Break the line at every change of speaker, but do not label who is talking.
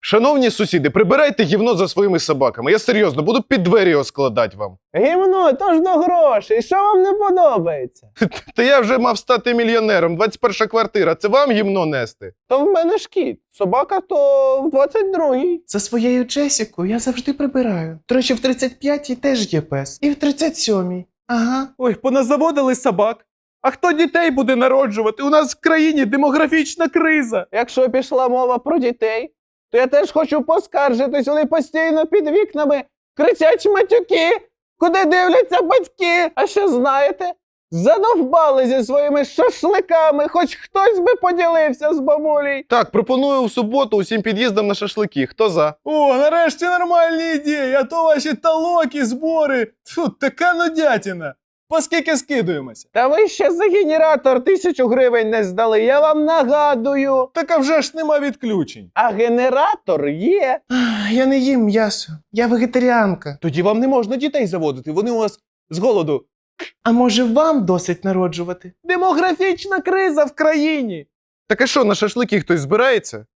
Шановні сусіди, прибирайте гівно за своїми собаками. Я серйозно, буду під двері його складати вам.
Гімно, то ж до грошей. Що вам не подобається?
Та я вже мав стати мільйонером. 21 квартира. Це вам гівно нести?
То в мене ж кіт. Собака то в 22-й.
За своєю Джесікою я завжди прибираю. До речі, в 35-й теж є пес. І в 37-й. Ага.
Ой, поназаводили собак. А хто дітей буде народжувати? У нас в країні демографічна криза.
Якщо пішла мова про дітей, то я теж хочу поскаржитись. Вони постійно під вікнами кричать матюки, куди дивляться батьки. А ще знаєте, задовбали зі своїми шашликами, хоч хтось би поділився з бабулей.
Так, пропоную в суботу усім під'їздам на шашлики. Хто за?
О, нарешті нормальні ідеї, а то ваші талоки, збори. Фу, така нудятіна. По скільки скидуємося?
Та ви ще за генератор 1000 гривень не здали, я вам нагадую.
Так а вже ж нема відключень.
А генератор є.
Я не їм м'ясо. Я вегетаріанка.
Тоді вам не можна дітей заводити, вони у вас з голоду.
А може вам досить народжувати?
Демографічна криза в країні.
Так а що, на шашлики хтось збирається?